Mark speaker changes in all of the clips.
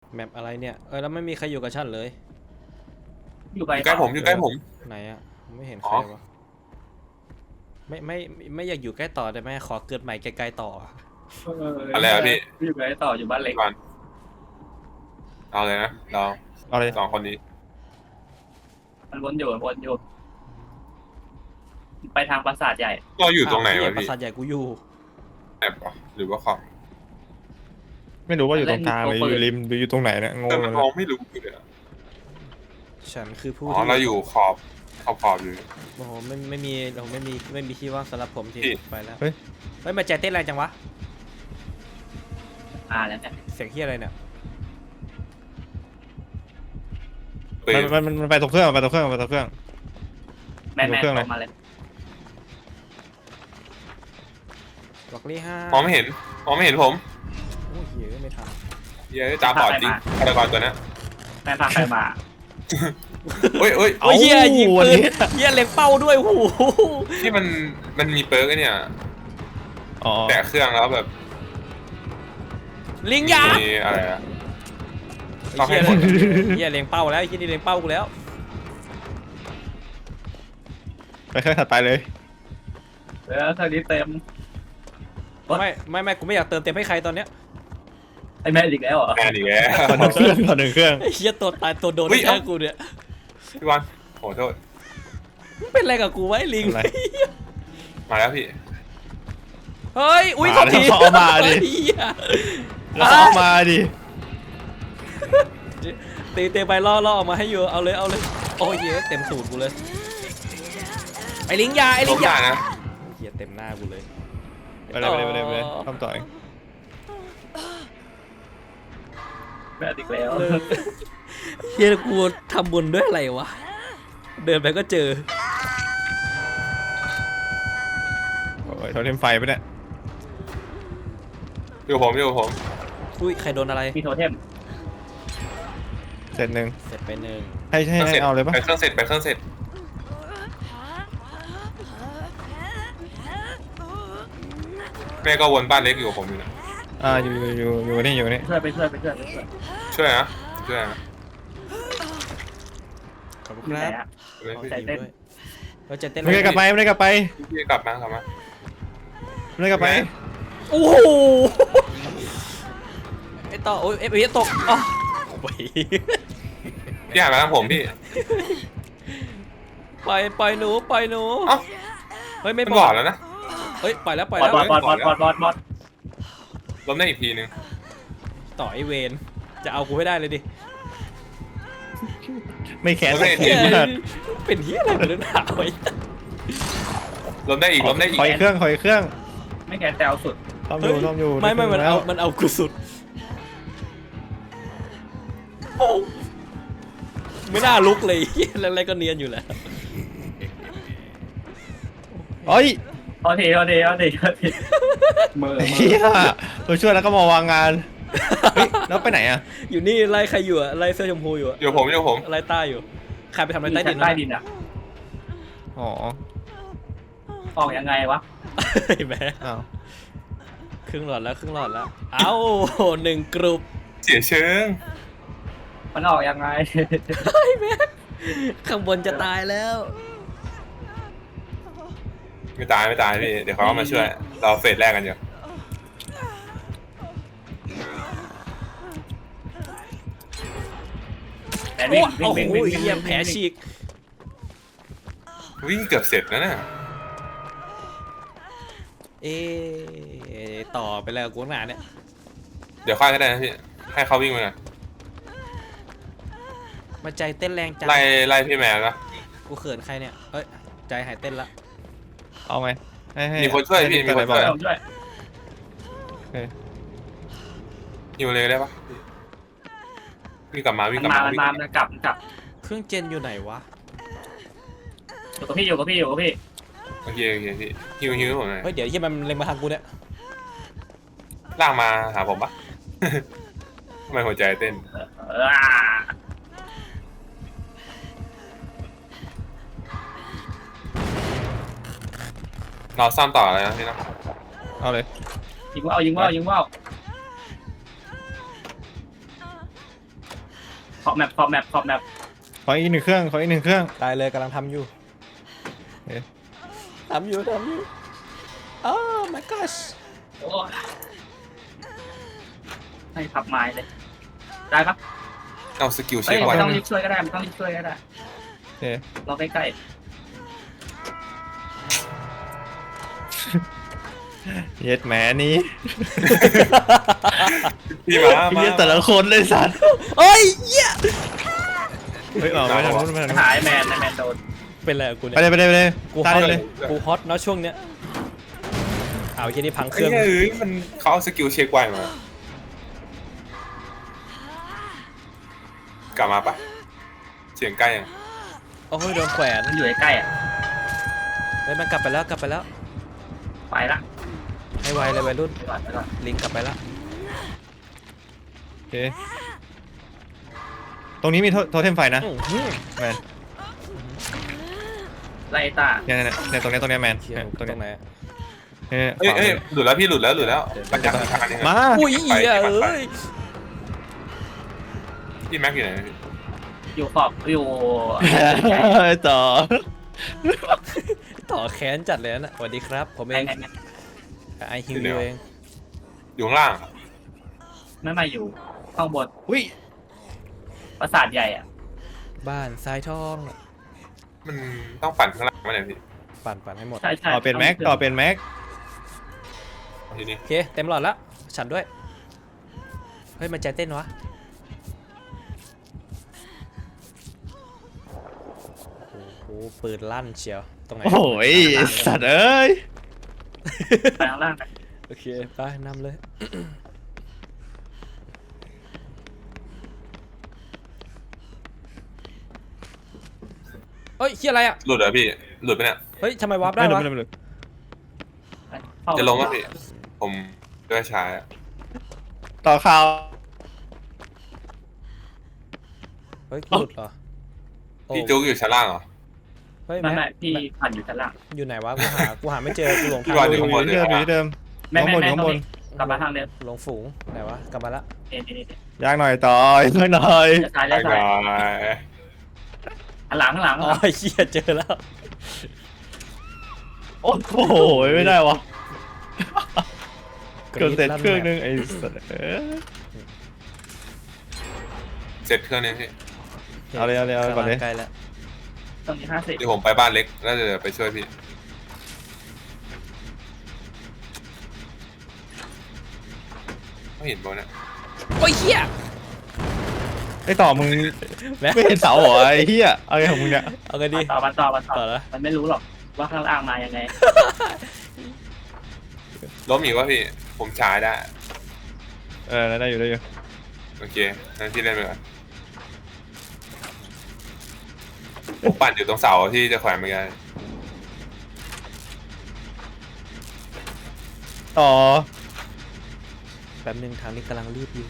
Speaker 1: แมปอะไรเนี่ยแล้วไม่มีใครอยู่กับฉันเลย
Speaker 2: อยู่
Speaker 3: อยู่ใกล้ผมอยู่ใกล้ผม
Speaker 1: ไหนอะไม่เห็น
Speaker 3: อ๋
Speaker 1: ใคร
Speaker 3: อ
Speaker 1: วะไม่อยากอยู่ใกล้ต่อได้ไหมขอเกิดใหม่ไกลๆต่อ
Speaker 3: อะไรอะพี่
Speaker 2: อยู่ไหนต่ออยู่บ้านเล็ก
Speaker 3: ก่อนเอาเลยนะเรา
Speaker 4: เอาเลย
Speaker 3: สองคนนี้
Speaker 2: มันวนอยู่ไปทางปราสาทใหญ่
Speaker 3: เราอยู่ตรงไหน
Speaker 1: อ้าว
Speaker 3: วะ
Speaker 1: ปรา
Speaker 3: พี่
Speaker 1: สาทใหญ่กูอยู่
Speaker 3: แอบเหรอหรือว่าขอบ
Speaker 4: ไม่รู้ว่าอยู่ตรงกลางหรืออยู่ริมหรืออยู่ตรงไหนเนี่ยงง
Speaker 3: แต่
Speaker 4: เล
Speaker 3: มัน
Speaker 4: ย
Speaker 3: มองไม่รู้เลยอะ
Speaker 1: ฉันคือผู้
Speaker 3: อ๋อ
Speaker 1: ที่
Speaker 3: เราอยู่ขอบอยู่
Speaker 1: โอ้โหไม่มีเราไม่มีที่ว่างสำหรับผมจริง
Speaker 3: พี่
Speaker 1: ไปแล้วเฮ้ยมาใจเต้นแรงจังวะ
Speaker 2: แล้วเนี่ย
Speaker 1: เสียงเฮียอะไรเนี่ย
Speaker 3: ปืน
Speaker 4: มันไปตรงเครื่องไปตรงเครื่องไปตรงเครื่อง
Speaker 2: แม่
Speaker 4: เครื่องอะไร
Speaker 2: ออกมาเลย
Speaker 1: บอกลี่ห้าม
Speaker 3: องไม่เห็นผม
Speaker 1: โอ้ยเหี้ยไม่ทัน
Speaker 3: เย้ยตาบอดจริงฆาตกรตัวเนี้ย
Speaker 2: แม่พาใครมา
Speaker 3: เฮ้ย
Speaker 1: โอ้ยเฮียยิง
Speaker 4: วัน
Speaker 1: ปืน
Speaker 4: นี้
Speaker 1: เฮียเล็งเป้าด้วยโอ้โห
Speaker 3: ที่มันมีเปิร์กไอ้เนี่ย
Speaker 4: อ๋อ
Speaker 3: แต่เครื่องแล้วแบบ
Speaker 1: ลิงยา
Speaker 3: มีอะไรอะ
Speaker 1: ไอ้เฮียเฮียเล็งเป้าแล้วไอ้เฮียนี่เล็งเป้ากูแล้ว
Speaker 4: ไปเครื่องถัดไปเลย
Speaker 2: ทางนี้เต็ม
Speaker 1: ไม่กูไม่อยากเติมเต็มให้ใครตอนเนี้ย
Speaker 2: ไอ้แม่อีกแล้วเหรอ
Speaker 3: แม่ดีแล้ว
Speaker 4: ก่อนหนึ่งเครื่องก่อนหนึ่งเครื่อง
Speaker 1: ไอ้เฮียตัวตายตัวโดน
Speaker 3: เฮ้ย
Speaker 1: แค่กูเนี่ย
Speaker 3: พี่บอลโหโทษ
Speaker 1: มึงเป็นอะไรกับกูไว้ลิง
Speaker 4: อะไร
Speaker 3: มาแล้วพี่
Speaker 1: เฮ้ยอุ้ย
Speaker 4: มา
Speaker 1: เขาที
Speaker 4: แล้วเอามาดิ
Speaker 1: เหี้ย
Speaker 4: แล้วก็เอามาดิ
Speaker 1: ตีไปล่อออกมาให้อยู่เอาเลยโอ้ยเหี้ยเต็มสูตรกูเลยไอ้ลิงยาไอ้ลิ
Speaker 3: ล้
Speaker 1: ง
Speaker 3: ม
Speaker 1: ยา
Speaker 3: ได้นะ
Speaker 1: เฮียเต็มหน้ากูเลย
Speaker 4: ไปเลยทำต่อเอง
Speaker 2: แม่อีกแล้ว
Speaker 1: เฮียกูทำบุญด้วยอะไรวะเดินไปก็เจอ
Speaker 4: โอ้ยโทรเทมไฟไปเนี่ย
Speaker 3: อยู่ผม
Speaker 1: อุ้ยใครโดนอะไร
Speaker 2: มีโทเทม
Speaker 4: เสร็จหนึ่ง
Speaker 1: เสร็จไปหนึ่ง
Speaker 4: ให้เอาเลยปะ
Speaker 3: ไปเครื่องเสร็จแม่ก็วนบ้านเล็กอยู่กับผมอยู่นะ
Speaker 4: อยู่นี่อยู่นี่
Speaker 2: ไปช่วย
Speaker 3: ช่วยนะช่วยนะ
Speaker 1: ขอบคุณ
Speaker 2: ที่
Speaker 1: ค
Speaker 2: ไหน
Speaker 1: รับ
Speaker 2: อะ
Speaker 3: เลย
Speaker 1: ขอ
Speaker 3: พี่
Speaker 1: ใจเต้นเราจะเต้น
Speaker 4: ไม่ได้กลับไปไม่ได้กลับไป
Speaker 3: พี่กลับมา
Speaker 4: ไม่ได้กลับไป
Speaker 1: โอ้โหไอ้ต่อโอ้ยเอฟเอตกอ๋อโอ้ย
Speaker 3: พี่หันมาทางผมพี่
Speaker 1: ปล่อยหนู
Speaker 3: เอ้า
Speaker 1: เฮ้ยไม่
Speaker 3: มันบอดแล้วนะ
Speaker 1: เฮ้ยปล่อยแล้ว
Speaker 2: บอด
Speaker 3: ล้มได้อีกทีนึง
Speaker 1: ต่อไอเวนจะเอากูให้ได้เลยดิ
Speaker 4: ไม่แขนสัก
Speaker 1: เหี้
Speaker 4: ที
Speaker 1: ยเป็นเฮียอะไรเป็นหนาวไอ้
Speaker 3: ล้มได้อีก
Speaker 4: ขออีกเครื่อง
Speaker 2: ไม่แกแซวสุด
Speaker 4: ซ่อมอยู่
Speaker 1: ไม่มันเอากูสุดโอ้ไม่น่าลุกเลยเฮียอะไรก็เนียนอยู่แล้ว
Speaker 4: เฮ้ย
Speaker 2: เอาทีมือ
Speaker 4: เฮียตัวช่วยแล้วก็มาวางงานเฮ้ยแล้วไปไหนอ่ะ
Speaker 1: อยู่นี่ไล่ใครอยู่อะไล่เสื้อชมพูอยู่อะ
Speaker 3: อยู่ผม
Speaker 1: ไล่ต้าอยู่ใครไปทำอะไร
Speaker 2: มี
Speaker 1: ใต้ดิ
Speaker 2: ชั้
Speaker 1: น
Speaker 2: นใต้ดินอะ
Speaker 4: อ๋อ
Speaker 2: ออกยังไงวะ
Speaker 1: เห็นไหม
Speaker 4: อ้าว
Speaker 1: ครึ่งหลอดแล้วเอ้าหนึ่งกรุ๊ป
Speaker 3: เสียเชิง
Speaker 2: มันออกยังไง
Speaker 1: เฮ้ยแม่ข้างบนจะตายแล้ว
Speaker 3: ไม่ตายพี่เดี๋ยวเขามาช่วยเราเฟสแรกกันอยู่
Speaker 2: แต่
Speaker 1: โอ้
Speaker 2: วิ่ง
Speaker 1: โหเหี้ยแผลฉีก
Speaker 3: วิ่งเกือบเสร็จแล้วน่ะ
Speaker 1: เอ๊ะต่อไปแล้วกูหนาเนี่ย
Speaker 3: เดี๋ยวค่อยก็ได้นะพี่ให้เขาวิ่งไปก่อน
Speaker 1: มาใจเต้นแรงจัง
Speaker 3: ไล่พี่แมนนะ
Speaker 1: กูเขินใครเนี่ยเอ้ยใจหายเต้นละ
Speaker 4: เอาไหมให้
Speaker 3: มีคนช่วยพี่มีคนช่วย
Speaker 2: ด้วย
Speaker 3: ฮิวเลยได้ปะวิ่งกลับมา
Speaker 2: มันกลับ
Speaker 1: เครื่องเจนอยู่ไหนวะ
Speaker 2: อยู่กับพี่
Speaker 3: โอเคพี่ฮิวผมหน่อย
Speaker 1: เฮ้ยเดี๋ยวที่มันเล็งมาทางกูเนี่ย
Speaker 3: ลากมาหาผมปะ ทำไมหัวใจเต้นเราซ่อมต่ออะไรนะพี่นะ
Speaker 4: เอาเลย
Speaker 2: ยิงว่าวแมปขอบแมปขอบแมป
Speaker 4: ขออีกหนึ่งเครื่องขออีกหนึ่งเครื่อง
Speaker 1: ได้เลยกำลังทำอยู่
Speaker 4: เอ๊ะ
Speaker 1: ทำอยู่อ้าว my gosh
Speaker 2: โอ้ยให้ขับไม้เลยได้ปะ
Speaker 3: เอาสกิล
Speaker 2: เฮ้
Speaker 3: เช็
Speaker 2: ย
Speaker 3: คไว้
Speaker 2: ไม่ต้องรีบช่วยก็ได้ไม่ต้องรีบช่วยก็ได้
Speaker 4: โอเค
Speaker 2: รอใกล้
Speaker 4: เย็ดแหมนี้
Speaker 3: พี่มา
Speaker 4: เย็ดแต่ละคนเลยสัตว์
Speaker 1: เอ้ยเหี้ย
Speaker 4: เฮ้ยออกไปทางนู้นไปทางนู้น
Speaker 2: ๆหายแมนในแมนโดน
Speaker 1: เป็นไรกับกู
Speaker 4: ไป
Speaker 1: เนี่ย
Speaker 4: เลยไปเลยไปเลย
Speaker 1: กูฮ
Speaker 4: ตา
Speaker 1: อต
Speaker 4: ยเลย
Speaker 1: กูฮอตเนาะช่วงเนี้ยเอาแค่นี้พังเค
Speaker 3: เฮ้
Speaker 1: รื่
Speaker 3: ย
Speaker 1: อง
Speaker 3: เอ้ยมันเขาเอาสกิลเช็คไว้มา กลับมาปะเสียงใกล้ยัง
Speaker 1: โอ้ยโดนแขวน
Speaker 2: มันอยู่ใกล้ๆอ่ะ
Speaker 1: เฮ้ยมันกลับไปแล้วกลับไปแล้ว
Speaker 2: ไปละ
Speaker 1: ให้ไวเลยวัยรุ่น
Speaker 2: ไปก่อนไปก่อน
Speaker 1: ลิงกลับไปแล้ว
Speaker 4: โอเคตรงนี้มีโทเทมไฟนะ
Speaker 1: อื้อหือ
Speaker 4: แมน
Speaker 2: ไล่ตา
Speaker 4: เนี่ยตรงเนี้ยแมน
Speaker 1: เชี่ย
Speaker 4: เนี่ยตรง
Speaker 1: ตร
Speaker 4: เนี้ย
Speaker 1: งไหน
Speaker 4: เนี่ย
Speaker 3: เอ้ย
Speaker 4: ขวา
Speaker 3: เอ้ย
Speaker 4: มือ
Speaker 3: หลุดแล้วพี่หลุดแล้วปัญญาทางนึง
Speaker 4: มา
Speaker 1: อุ้ยเหี้ยเอ้ย
Speaker 3: พี่แม็กอยู่ไหนพี่
Speaker 2: อยู่ขอบอยู่
Speaker 4: ต่อ
Speaker 1: ต่อแค้นจัดเลยนะสวัสดีครับผมเอ
Speaker 2: ไง
Speaker 1: ง
Speaker 2: ไงไง
Speaker 1: ไอฮิวเอง
Speaker 3: อยู่ข้างล่าง
Speaker 2: ไม่มาอยู่ข้างบน
Speaker 4: อุ้ย
Speaker 2: ปราสาทใหญ่อ่ะ
Speaker 1: บ้านทรายทอง
Speaker 3: มันต้องปั่นข้างล่างไหมเนี่ยพี่
Speaker 1: ปั่นให้หมด
Speaker 2: ใช่ใช่
Speaker 4: ต่อเป็นแม็กต่อเป็นแม็ก
Speaker 3: ทีนี้
Speaker 1: โอเคเต็มหลอดแล้วฉันด้วยเฮ้ยมันใจเต้นวะโอ้โหปืนลั่นเชียวตรงไหน
Speaker 4: โอ้ยสัตว์เอ้ย
Speaker 2: ไปข้างล่างนะ
Speaker 1: โอเคไปนำเลย เฮ้ยเฮียอะไรอ่ะ
Speaker 3: หลุดเหรอพี่หลุดไปเนี่ย
Speaker 1: เฮ้ยทำไมวาร์ปได้
Speaker 4: ไม่
Speaker 1: วะ
Speaker 4: รู้
Speaker 2: เข้า
Speaker 3: จะลงก็พี่ผมด้วยช้า
Speaker 4: ต่อข่าว
Speaker 1: เฮ้ยหลุดเหรอโอ้
Speaker 3: พี่จุ๊กอยู่ชั้นล่างเหรอ
Speaker 1: เฮ้ย
Speaker 2: ไม่
Speaker 1: แม่
Speaker 2: ไม่พี่ปั่นอยู่ชั้นล่าง
Speaker 1: อยู่ไหนวะกูหาไม่เจอกูหลง
Speaker 3: พี่
Speaker 1: ทาง
Speaker 3: วา
Speaker 4: อยู่
Speaker 3: ข้างบน
Speaker 4: ที่เดิมอยู่ที่เดิม
Speaker 2: แม่
Speaker 4: ข้างบน
Speaker 2: แม่
Speaker 4: ข้างบน
Speaker 2: กลับมาทางเดิม
Speaker 1: หลงฝูงไหนวะกลับมาละ
Speaker 2: นี่
Speaker 4: ยากหน่อยต่ออีกหน่อย
Speaker 2: จะซ้าย
Speaker 3: ไป
Speaker 2: แล้วซ้าย
Speaker 3: ก่อน
Speaker 2: ข้างหลังข้างหลัง
Speaker 1: อ๋อเฮียเจอแล้ว
Speaker 4: โอ้โหไม่ได้วะเกิดเสร็จเครื่องนึงไอ้สัตว์เอ้ย
Speaker 3: เสร็จเครื่องนี้พี่
Speaker 4: เอาเลยก่อนเลย
Speaker 1: ใกล้แล้ว
Speaker 2: ตรงนี้50
Speaker 3: เดี๋ยวผมไปบ้านเล็กแล้วเดี๋ยวไปช่วยพี่ไม่เห็นบอลเนี่ย
Speaker 1: โอ้ยเฮีย
Speaker 4: ไอ้ต่อมึง
Speaker 1: แม่
Speaker 4: ไม่เห็นเสาเหรอไอ้เหี้ยเอาไงของมึงเนี่ย
Speaker 1: เอาไงดี
Speaker 2: ต่อ
Speaker 1: ต่อแล้ว
Speaker 2: มันไม่รู้หรอกว่าข้างล่างมายังไง
Speaker 3: ล้มอีกวะพี่ผมช้าได้
Speaker 4: ได้อยู่
Speaker 3: โอเคงั้นพี่เล่นไปก่อนผมปั่นอยู่ตรงเสาที่จะแขวนเมื่อกี้
Speaker 4: ต่อ
Speaker 1: แป๊บนึงทางนี้กำลังรีบอยู่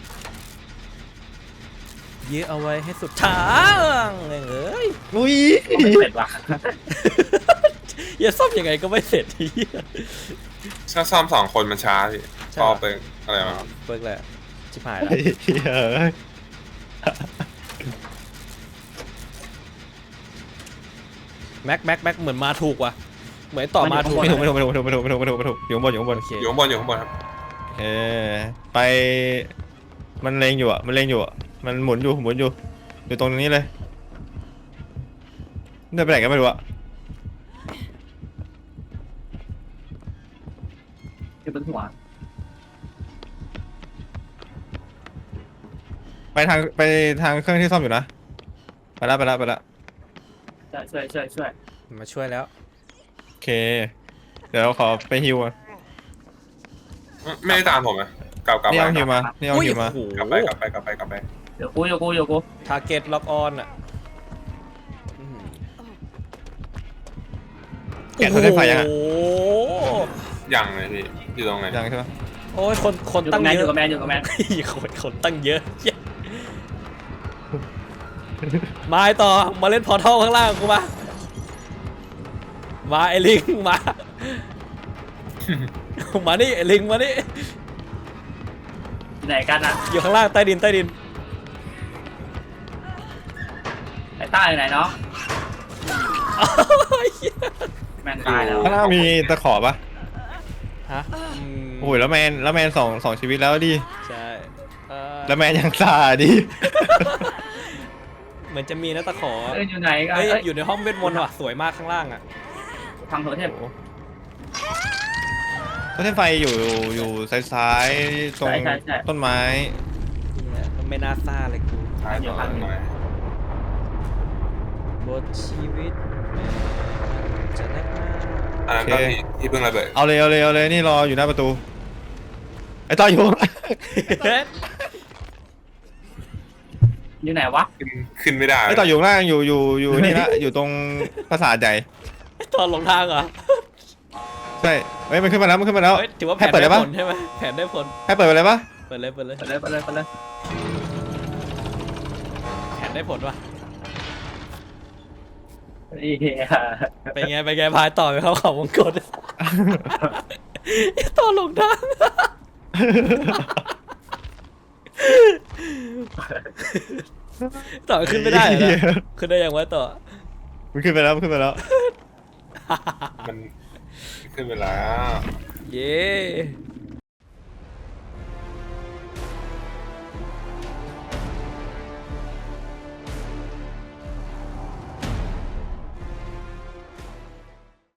Speaker 1: ยื้อเอาไว้ให้สุดทาง เอ้ย
Speaker 4: อุ้ย
Speaker 2: ไม่เสร็จว่ะ
Speaker 1: อย่าซ่อมยังไงก็ไม่เสร็จที
Speaker 3: ถ้าซ่อม2 คนมันช้าพี่
Speaker 1: ใช่
Speaker 3: พอ
Speaker 1: เหรอ
Speaker 3: ไปอะไรมา
Speaker 1: เบิกแหละชิบหายแล้ว
Speaker 4: ไอ้เหี้ยเอ้ย
Speaker 1: แม็กเหมือนมาถูกว่ะเหมือนต่อมาถูก
Speaker 4: ไม่ถูกอยู่ข้างบนอยู่ข้างบน
Speaker 1: โอเค
Speaker 3: อยู่ข้างบนครับ
Speaker 4: ไปมันเลงอยู่อ่ะมันหมุนอยู่ตรงนี้เลยเดินไปไหนกันไม่รู้อ่ะ
Speaker 2: อยู่บนหัว
Speaker 4: ไปทางเครื่องที่ซ่อมอยู่นะไปละ
Speaker 2: ช่วย
Speaker 1: มาช่วยแล้ว
Speaker 4: โอเคเดี๋ยวขอไปฮิวก่อน
Speaker 3: ไม่ได้ตามผมนะกลับ
Speaker 4: นี่
Speaker 3: ไป
Speaker 4: เอาฮิวมา
Speaker 1: อุ้ยโอ้โห
Speaker 3: กลับไป
Speaker 2: เดี๋ยวกู
Speaker 1: ทาร์เก็ตล็อกออนอ่ะ
Speaker 4: แกะโทรได้ไฟยังอ่ะ
Speaker 1: โอ้โห
Speaker 3: ยังเลยพี่อยู่ตรงไหน
Speaker 4: ยังใช่ปะ
Speaker 1: โอ้ยคน
Speaker 2: อยู่
Speaker 1: ตั้
Speaker 2: กับ
Speaker 1: ง
Speaker 2: แมน
Speaker 1: เย
Speaker 2: อยู่
Speaker 1: อะ
Speaker 2: กับแมนอยู่กับแมน
Speaker 1: คนตั้งเยอะเหี้ยมาไอ้ต่อมาเล่นพอร์ทัลข้างล่างกูมาไอ้ลิงมา มานี่ไอ้ลิงมานี่
Speaker 2: ไหนกันอ่ะ
Speaker 1: อยู่ข้างล่างใต้ดิน
Speaker 2: ไอ้ต้าอยู่ไหนเนาะแมนตายแล้ว
Speaker 4: ข้างหน้ามีตะขอปะ
Speaker 1: ฮะ
Speaker 4: โอ้ยแล้วแมนสองชีวิตแล้วดิ
Speaker 1: ใช่
Speaker 4: แล้วแมนยังซาดิ
Speaker 1: เหมือนจะมีนะตะขอ
Speaker 2: อยู่ไหนกัน
Speaker 1: เอ้ย
Speaker 2: เอ้ย
Speaker 1: อยู่ในห้องเวทมนต์ว่ะสวยมากข้างล่างอ่ะ
Speaker 2: พังโถเทพ
Speaker 4: ก็เส้นไฟอยู่ซ้ายๆตรง
Speaker 2: ใช่
Speaker 4: ต้นไม้
Speaker 1: เนี่ยไม่น่าซ่าเลยกู
Speaker 3: ท้ายต่อหน่อย
Speaker 1: บทชีวิตแม่จะนักหนา
Speaker 3: อันนั้นก็ที่เพิ่งระเบิด
Speaker 4: เอาเลยนี่รออยู่หน้าประตูไอ้ต่ออยู่
Speaker 2: อยู่ไหนวะ
Speaker 3: ขึ้นไม่ได้
Speaker 4: ไอ้ต่ออยู่ข้างล่างอยู่นี่ละอยู่ตรงปราสาทใหญ่
Speaker 1: ตอนหลงทางเหรอ
Speaker 4: ใช่เฮ้ยมันขึ้นมาแล้ว
Speaker 1: เฮ้ยถือว่าแผ
Speaker 4: ให้
Speaker 1: น
Speaker 4: เปิด
Speaker 1: ได้
Speaker 4: ได้
Speaker 1: ผ
Speaker 4: ปะ
Speaker 1: ลใช่ไหมแผนได้ผล
Speaker 4: ให้เปิดไปเลยปะ
Speaker 1: เปิดเลย
Speaker 2: ไปเลย
Speaker 1: แผนได้ผลว่ะ
Speaker 2: เหี้ย
Speaker 1: ไปไงพายต่อไปเข้าเขาวงกตตอนหลงทางต่อขึ้นไม่ได้เหรอนะขึ้นได้ยังวะต่อ
Speaker 4: มันขึ้นไปแล้ว
Speaker 3: มันขึ้นไปแล้ว
Speaker 1: เย้